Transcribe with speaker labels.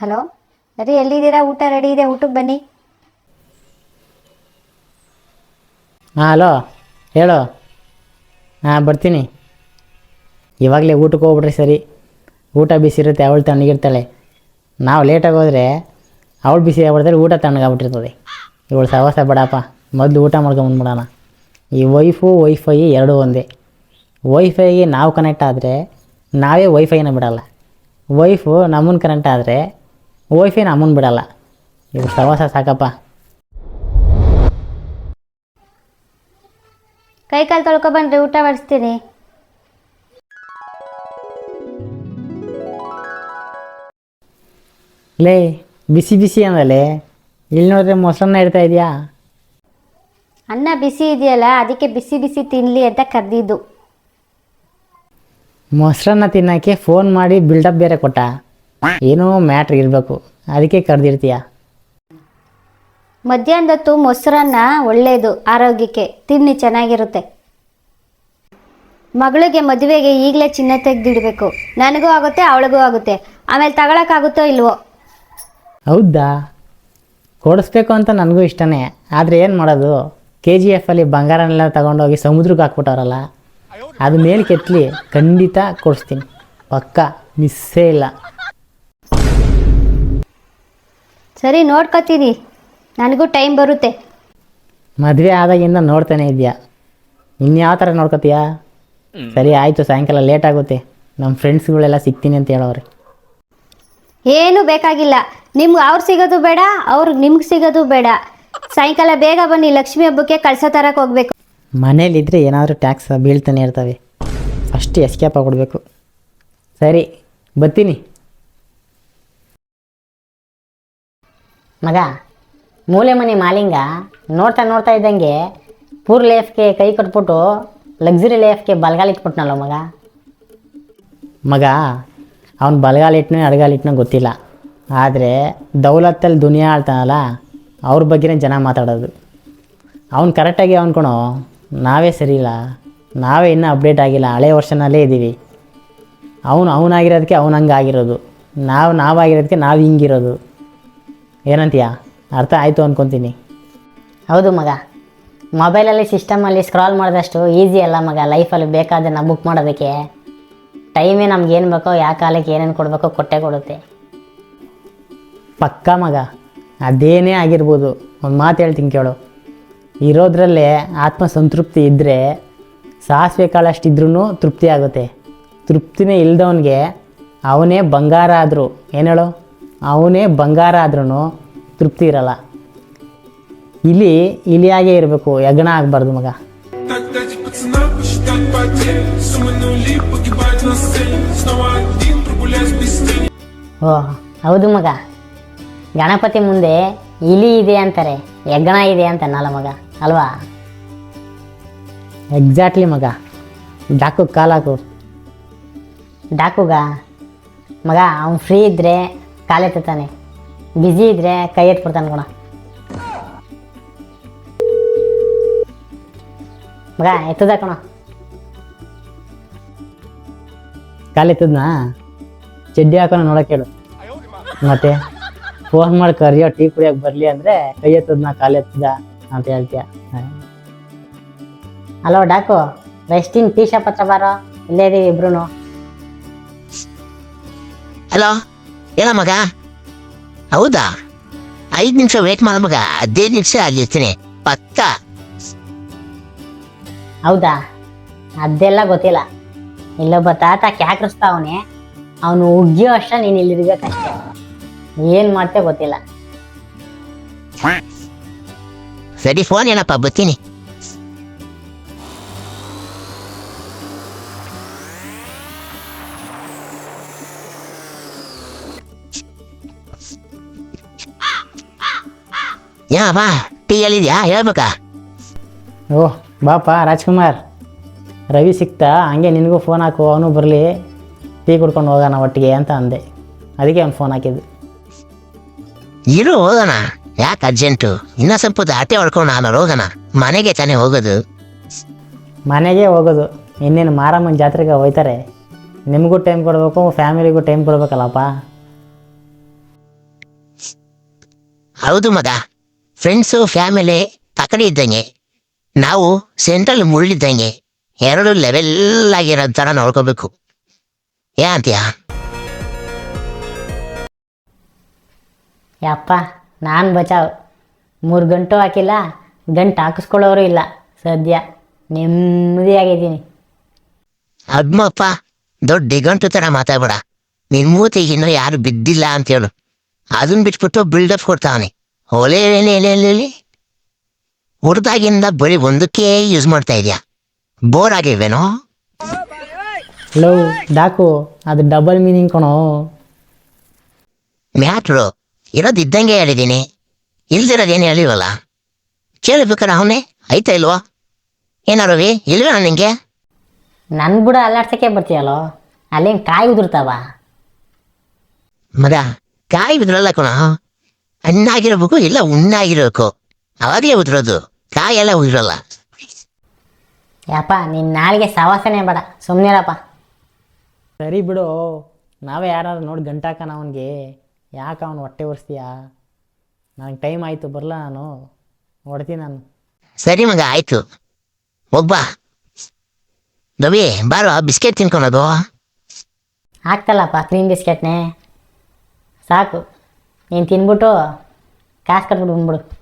Speaker 1: Hello ರೀ, ಎಲ್ಲಿದ್ದೀರಾ? ಊಟ ರೆಡಿ ಇದೆ, ಊಟಕ್ಕೆ ಬನ್ನಿ.
Speaker 2: ಹಾಂ ಹಲೋ, ಹೇಳು. ಹಾಂ ಬರ್ತೀನಿ. ಇವಾಗಲೇ ಊಟಕ್ಕೆ ಹೋಗ್ಬಿಟ್ರಿ ಸರಿ. ಊಟ ಬಿಸಿ ಇರುತ್ತೆ, ಅವಳು ತಣ್ಣಗಿರ್ತಾಳೆ. ನಾವು ಲೇಟಾಗಿ ಹೋದರೆ ಅವಳು ಬಿಸಿ ಆಗ್ಬಿಡ್ತಾರೆ, ಊಟ ತಣ್ಣಗಾಗ್ಬಿಟ್ಟಿರ್ತದೆ. ಇವಳು ಸವಾಸ ಬೇಡಪ್ಪ, ಮೊದಲು ಊಟ ಮಾಡ್ಕೊಂಬಂದ್ಬಿಡೋಣ. ಈ ವೈಫೈ ಎರಡೂ ಒಂದೇ. ವೈಫೈಗೆ ನಾವು ಕನೆಕ್ಟ್ ಆದರೆ ನಾವೇ ವೈಫೈನ ಬಿಡಲ್ಲ, ವೈಫು ನಮ್ಮನ್ನು ಕನೆಕ್ಟ್ ಆದರೆ ವೈಫೈ ನಮ್ಮನ್ನು ಬಿಡಲ್ಲ. ಇವಳು ಸವಾಸ ಸಾಕಪ್ಪ.
Speaker 1: ಕೈ ಕಾಲು ತೊಳ್ಕೊಬನ್ರಿ, ಊಟ ಬಡಿಸ್ತೀನಿ.
Speaker 2: ಲೇ, ಬಿಸಿ ಬಿಸಿ ಅಂದಲೇ, ಇಲ್ಲಿ ನೋಡಿದ್ರೆ ಮೊಸರನ್ನ ಇಡ್ತಾ ಇದೆಯಾ?
Speaker 1: ಅನ್ನ ಬಿಸಿ ಇದೆಯಲ್ಲ, ಅದಕ್ಕೆ ಬಿಸಿ ಬಿಸಿ ತಿನ್ನಲಿ ಅಂತ ಕರೆದಿದ್ದು.
Speaker 2: ಮೊಸರನ್ನ ತಿನ್ನೋಕ್ಕೆ ಫೋನ್ ಮಾಡಿ ಬಿಲ್ಡಪ್ ಬೇರೆ ಕೊಟ್ಟ. ಏನೋ ಮ್ಯಾಟ್ರ್ ಇರಬೇಕು, ಅದಕ್ಕೆ ಕರೆದಿರ್ತೀಯ.
Speaker 1: ಮಧ್ಯಾಹ್ನದೊತ್ತು ಮೊಸರನ್ನ ಒಳ್ಳೆಯದು, ಆರೋಗ್ಯಕ್ಕೆ ತಿನ್ನಿ, ಚೆನ್ನಾಗಿರುತ್ತೆ. ಮಗಳಿಗೆ ಮದುವೆಗೆ ಈಗಲೇ ಚಿನ್ನ ತೆಗೆದಿಡಬೇಕು. ನನಗೂ ಆಗುತ್ತೆ, ಅವಳಿಗೂ ಆಗುತ್ತೆ. ಆಮೇಲೆ ತಗೊಳಕ್ಕಾಗುತ್ತೋ ಇಲ್ವೋ?
Speaker 2: ಹೌದಾ? ಕೊಡಿಸ್ಬೇಕು ಅಂತ ನನಗೂ ಇಷ್ಟನೇ, ಆದರೆ ಏನು ಮಾಡೋದು? KGF ಅಲ್ಲಿ ಬಂಗಾರನೆಲ್ಲ ತಗೊಂಡೋಗಿ ಸಮುದ್ರಕ್ಕೆ ಹಾಕ್ಬಿಟ್ಟವ್ರಲ್ಲ, ಅದು ಮೇಲೆ ಕೆತ್ತಲಿ ಖಂಡಿತ ಕೊಡಿಸ್ತೀನಿ, ಪಕ್ಕ ಮಿಸ್ಸೇ ಇಲ್ಲ.
Speaker 1: ಸರಿ, ನೋಡ್ಕೊತೀನಿ, ನನಗೂ ಟೈಮ್ ಬರುತ್ತೆ.
Speaker 2: ಮದುವೆ ಆದಾಗಿಂದ ನೋಡ್ತಾನೆ ಇದೆಯಾ, ಇನ್ಯಾವ ಥರ ನೋಡ್ಕೊತೀಯಾ? ಸರಿ ಆಯಿತು, ಸಾಯಂಕಾಲ ಲೇಟ್ ಆಗುತ್ತೆ, ನಮ್ಮ ಫ್ರೆಂಡ್ಸ್ಗಳೆಲ್ಲ ಸಿಗ್ತೀನಿ ಅಂತ ಹೇಳೋರೆ.
Speaker 1: ಏನು ಬೇಕಾಗಿಲ್ಲ, ನಿಮ್ಗೆ ಅವ್ರು ಸಿಗೋದು ಬೇಡ, ಅವ್ರಿಗೆ ನಿಮ್ಗೆ ಸಿಗೋದು ಬೇಡ. ಸಾಯಂಕಾಲ ಬೇಗ ಬನ್ನಿ, ಲಕ್ಷ್ಮಿ ಹಬ್ಬಕ್ಕೆ ಕಳಸ ತರಕ್ಕೆ ಹೋಗ್ಬೇಕು.
Speaker 2: ಮನೇಲಿದ್ದರೆ ಏನಾದರೂ ಟ್ಯಾಕ್ಸ್ ಬೀಳ್ತಾನೆ ಇರ್ತವೆ, ಫಸ್ಟ್ ಎಸ್ಕೇಪ್ ಆಗಿಬಿಡ್ಬೇಕು. ಸರಿ ಬರ್ತೀನಿ. ಮಗ, ಮೂಲೆ ಮನೆ ಮಾಲಿಂಗ ನೋಡ್ತಾ ನೋಡ್ತಾ ಇದ್ದಂಗೆ ಪೂರ್ ಲೈಫ್ಗೆ ಕೈ ಕಟ್ಬಿಟ್ಟು ಲಕ್ಸುರಿ ಲೈಫ್ಗೆ ಬಲಗಾಲ ಇಟ್ಬಿಟ್ನಲ್ಲ ಮಗ. ಅವ್ನು ಬಲಗಾಲ ಇಟ್ಟನೋ ಎಡಗಾಲ ಇಟ್ಟನೋ ಗೊತ್ತಿಲ್ಲ, ಆದರೆ ದೌಲತ್ತಲ್ಲಿ ದುನಿಯಾ ಆಳ್ತಾನಲ್ಲ, ಅವ್ರ ಬಗ್ಗೆನೇ ಜನ ಮಾತಾಡೋದು. ಅವ್ನು ಕರೆಕ್ಟಾಗಿ ಅವ್ನ್ಕೊಣೋ, ನಾವೇ ಸರಿ ಇಲ್ಲ, ನಾವೇ ಇನ್ನೂ ಅಪ್ಡೇಟ್ ಆಗಿಲ್ಲ, ಹಳೆ ವರ್ಷನಲ್ಲೇ ಇದ್ದೀವಿ. ಅವನಾಗಿರೋದಕ್ಕೆ ಅವ್ನು ಹಂಗೆ ಆಗಿರೋದು, ನಾವಾಗಿರೋದಕ್ಕೆ ನಾವು ಹಿಂಗಿರೋದು. ಏನಂತೀಯ? ಅರ್ಥ ಆಯಿತು ಅಂದ್ಕೊತೀನಿ. ಹೌದು ಮಗ, ಮೊಬೈಲಲ್ಲಿ ಸಿಸ್ಟಮಲ್ಲಿ ಸ್ಕ್ರಾಲ್ ಮಾಡಿದಷ್ಟು ಈಸಿ ಅಲ್ಲ ಮಗ ಲೈಫಲ್ಲಿ ಬೇಕಾದನ್ನು ಬುಕ್ ಮಾಡೋದಕ್ಕೆ. ಟೈಮೇ ನಮ್ಗೇನು ಬೇಕೋ, ಯಾವ ಕಾಲಕ್ಕೆ ಏನೇನು ಕೊಡಬೇಕೋ ಕೊಟ್ಟೇ ಕೊಡುತ್ತೆ. ಪಕ್ಕ ಮಗ, ಅದೇನೇ ಆಗಿರ್ಬೋದು, ಒಂದು ಮಾತು ಹೇಳ್ತೀನಿ ಕೇಳು. ಇರೋದ್ರಲ್ಲೇ ಆತ್ಮಸಂತೃಪ್ತಿ ಇದ್ದರೆ ಸಾಸಿವೆ ಕಾಳಷ್ಟಿದ್ರೂ ತೃಪ್ತಿ ಆಗುತ್ತೆ. ತೃಪ್ತಿನೇ ಇಲ್ದವನಿಗೆ ಅವನೇ ಬಂಗಾರ ಆದರೂ, ಏನು ಹೇಳು, ಅವನೇ ಬಂಗಾರ ಆದ್ರೂ ತೃಪ್ತಿ ಇರಲ್ಲ. ಇಲಿಯಾಗೇ ಇರಬೇಕು, ಯಜ್ಞ ಆಗಬಾರ್ದು ಮಗ. ಓ ಹೌದು ಮಗ, ಗಣಪತಿ ಮುಂದೆ ಇಲಿ ಇದೆ ಅಂತಾರೆ, ಯಜ್ಞ ಇದೆ ಅಂತನಲ್ಲ ಮಗ, ಅಲ್ವಾ? ಎಕ್ಸಾಕ್ಟ್ಲಿ ಮಗ. ಡಾಕು ಕಾಲಾಕು. ಡಾಕುಗ ಮಗ, ಅವ್ನು ಫ್ರೀ ಇದ್ದರೆ ಕಾಲೆತ್ತಾನೆ, ಬ್ಯುಸಿ ಇದ್ದರೆ ಕೈ ಎತ್ಬಿಡ್ತಾನೆ ಕಣ ಮಗ. ಎತ್ತದ ಕಣ, ಕಾಲೆತ್ತದ್ನಾ? ಚಡ್ಡಿ ಹಾಕೋಣ ನೋಡೋಕೆ ಹೇಳು. ಮತ್ತೆ ಫೋನ್ ಮಾಡಿ ಕರಿಯೋ ಟೀ ಕುಡಿಯೋಕೆ ಬರಲಿ ಅಂದರೆ ಕೈ ಎತ್ತದ್ನ ಕಾಲೆತ್ತದ ಅಂತ ಹೇಳ್ತೀಯ. ಹಲೋ ಡಾಕು, ರೆಸ್ಟಿನ್ ಟೀ ಶಾಪ್ ಹತ್ರ ಬಾರೋ, ಇಲ್ಲೇ ಇದೀವಿ ಇಬ್ರು.
Speaker 3: ಹಲೋ, ಹೇಳ ಮಗ. ಹೌದಾ? 5 ನಿಮಿಷ ವೇಟ್ ಮಾಡ ಮಗ, 15 ನಿಮಿಷ ಆಗಿರ್ತೀನಿ ಪಕ್ಕ.
Speaker 2: ಹೌದಾ? ಅದೆಲ್ಲ ಗೊತ್ತಿಲ್ಲ. ಇಲ್ಲೊಬ್ಬ ತಾತ ಕ್ಯಾಕ್ರಿಸ್ತಾವನೆ, ಅವನು ಉಗ್ಗಿಯೋ ಅಷ್ಟ ನೀನು ಇಲ್ಲಿರ್ಬೇಕಷ್ಟೇ. ಏನು ಮಾಡ್ತೇ ಗೊತ್ತಿಲ್ಲ.
Speaker 3: ಸರಿ, ಫೋನ್ ಏನಪ್ಪ, ಬರ್ತೀನಿ. ಯಾ ಬಾ, ಟೀ ಎಲ್ಲಿದ್ಯಾ ಹೇಳ್ಬೇಕಾ?
Speaker 2: ಓಹ್ ಬಾಪ ರಾಜ್ಕುಮಾರ್, ರವಿ ಸಿಕ್ತಾ, ಹಂಗೆ ನಿನಗೂ ಫೋನ್ ಹಾಕು, ಅವನು ಬರಲಿ, ಟೀ ಕುಡ್ಕೊಂಡು ಹೋಗೋಣ ಒಟ್ಟಿಗೆ ಅಂತ ಅಂದೆ, ಅದಕ್ಕೆ ಅವ್ನು ಫೋನ್ ಹಾಕಿದ್ದು.
Speaker 3: ಇರು ಹೋಗೋಣ, ಯಾಕೆ ಅರ್ಜೆಂಟು? ಇನ್ನೂ ಸ್ವಲ್ಪ ಆಟೆ ಹೊಡ್ಕೊಂಡು ನಾನು ಹೋಗೋಣ, ಮನೆಗೆ ತಾನೇ ಹೋಗೋದು.
Speaker 2: ಮನೆಗೆ ಹೋಗೋದು, ಇನ್ನೇನು ಮಾರಮ್ಮನ ಜಾತ್ರೆಗೆ ಹೋಯ್ತಾರೆ. ನಿಮಗೂ ಟೈಮ್ ಕೊಡಬೇಕು, ಫ್ಯಾಮಿಲಿಗೂ ಟೈಮ್ ಕೊಡಬೇಕಲ್ಲಪ್ಪ.
Speaker 3: ಹೌದು ಮಗ, ಫ್ರೆಂಡ್ಸು ಫ್ಯಾಮಿಲಿ ತಕಡಿ ಇದ್ದಂಗೆ, ನಾವು ಸೆಂಟ್ರಲ್ ಮುಳ್ಳಿದ್ದಂಗೆ, ಎರಡು ಲೆವೆಲ್ ಆಗಿರೋ ಥರ ನೋಡ್ಕೋಬೇಕು. ಏನಂತೀಯ?
Speaker 2: ಯಪ್ಪ ನಾನು ಬಚಾವ್ 3 ಗಂಟು ಹಾಕಿಲ್ಲ, ಗಂಟು ಹಾಕಿಸ್ಕೊಳ್ಳೋರು ಇಲ್ಲ. ಸದ್ಯ ನೆಮ್ಮದಿಯಾಗಿದ್ದೀನಿ.
Speaker 3: ಅದ್ಮಪ್ಪ ದೊಡ್ಡ ದಿಗಂಟು ಥರ ಮಾತಾಡ್ಬೇಡ. ನಿನ್ ಮೂತಿಗೆ ಇನ್ನೂ ಯಾರು ಬಿದ್ದಿಲ್ಲ ಅಂತೇಳು. ಅದನ್ನ ಬಿಟ್ಬಿಟ್ಟು ಬಿಲ್ಡಪ್ ಕೊಡ್ತಾವನೆ. ಒಲೆ ಹುಡ್ದಾಗಿಂದ ಬರೀ ಒಂದಕ್ಕೆ ಯೂಸ್ ಮಾಡ್ತಾ ಇದೆಯಾ? ಬೋರ್ ಆಗಿಲ್ವೇನೋ?
Speaker 2: ಲೋ ಡಾಕು, ಅದು ಡಬಲ್ ಮೀನಿಂಗ್ ಕಣೋ.
Speaker 3: ಮ್ಯಾಟ್ರು ಇರೋದಿದ್ದಂಗೆ ಹೇಳಿದ್ದೀನಿ, ಇಲ್ದಿರೋದೇನು ಹೇಳಿವಲ್ಲ. ಕೇಳಬೇಕಾರೆ ಅವನೇ ಆಯ್ತಾ ಇಲ್ವೋ? ಏನಾರವಿ ಇಲ್ವೇನ ನಿಂಗೆ?
Speaker 2: ನನ್ನ ಬುಡ ಅಲ್ಲಾಡ್ಸಕ್ಕೆ ಬರ್ತೀಯಲ್ಲೋ, ಅಲ್ಲೇನು ಕಾಯಿ ಉದುರ್ತಾವ?
Speaker 3: ಮಗ ಕಾಯಿ ಬಿದ್ರಲ್ಲ ಕಣ, ಹಣ್ಣಾಗಿರ್ಬೇಕು ಇಲ್ಲ ಉಣ್ಣಾಗಿರ್ಬೇಕು, ಅವಾಗಲೇ ಉದುರೋದು. ಕಾಯೆಲ್ಲ ಉದುರಲ್ಲ.
Speaker 2: ಯಪ್ಪ ನಿನ್ನ ನಾಳೆಗೆ ಸವಾಸನೆ ಬೇಡ, ಸುಮ್ಮನಿರಪ್ಪ. ಸರಿ ಬಿಡು, ನಾವೇ ಯಾರು ನೋಡಿ ಗಂಟಾಕನ ಅವನಿಗೆ. ಯಾಕೆ ಅವನು ಹೊಟ್ಟೆ ಒರೆಸ್ತೀಯಾ? ನನಗೆ ಟೈಮ್ ಆಯಿತು, ಬರಲ್ಲ ನಾನು, ಹೊಡ್ತೀನಿ ನಾನು.
Speaker 3: ಸರಿ ಮಗ ಆಯ್ತು, ಒಬ್ಬ ರವಿ ಬಾರೋ ಬಿಸ್ಕೆಟ್ ತಿನ್ಕೊಳೋದು.
Speaker 2: ಆಗ್ತಲ್ಲಪ್ಪ ಕ್ರೀಮ್ ಬಿಸ್ಕೆಟ್ನೇ ಸಾಕು. ನೀನು ತಿನ್ಬಿಟ್ಟು ಕಾಸು ಕಟ್ಬಿಟ್ಟು ಬಂದ್ಬಿಡು.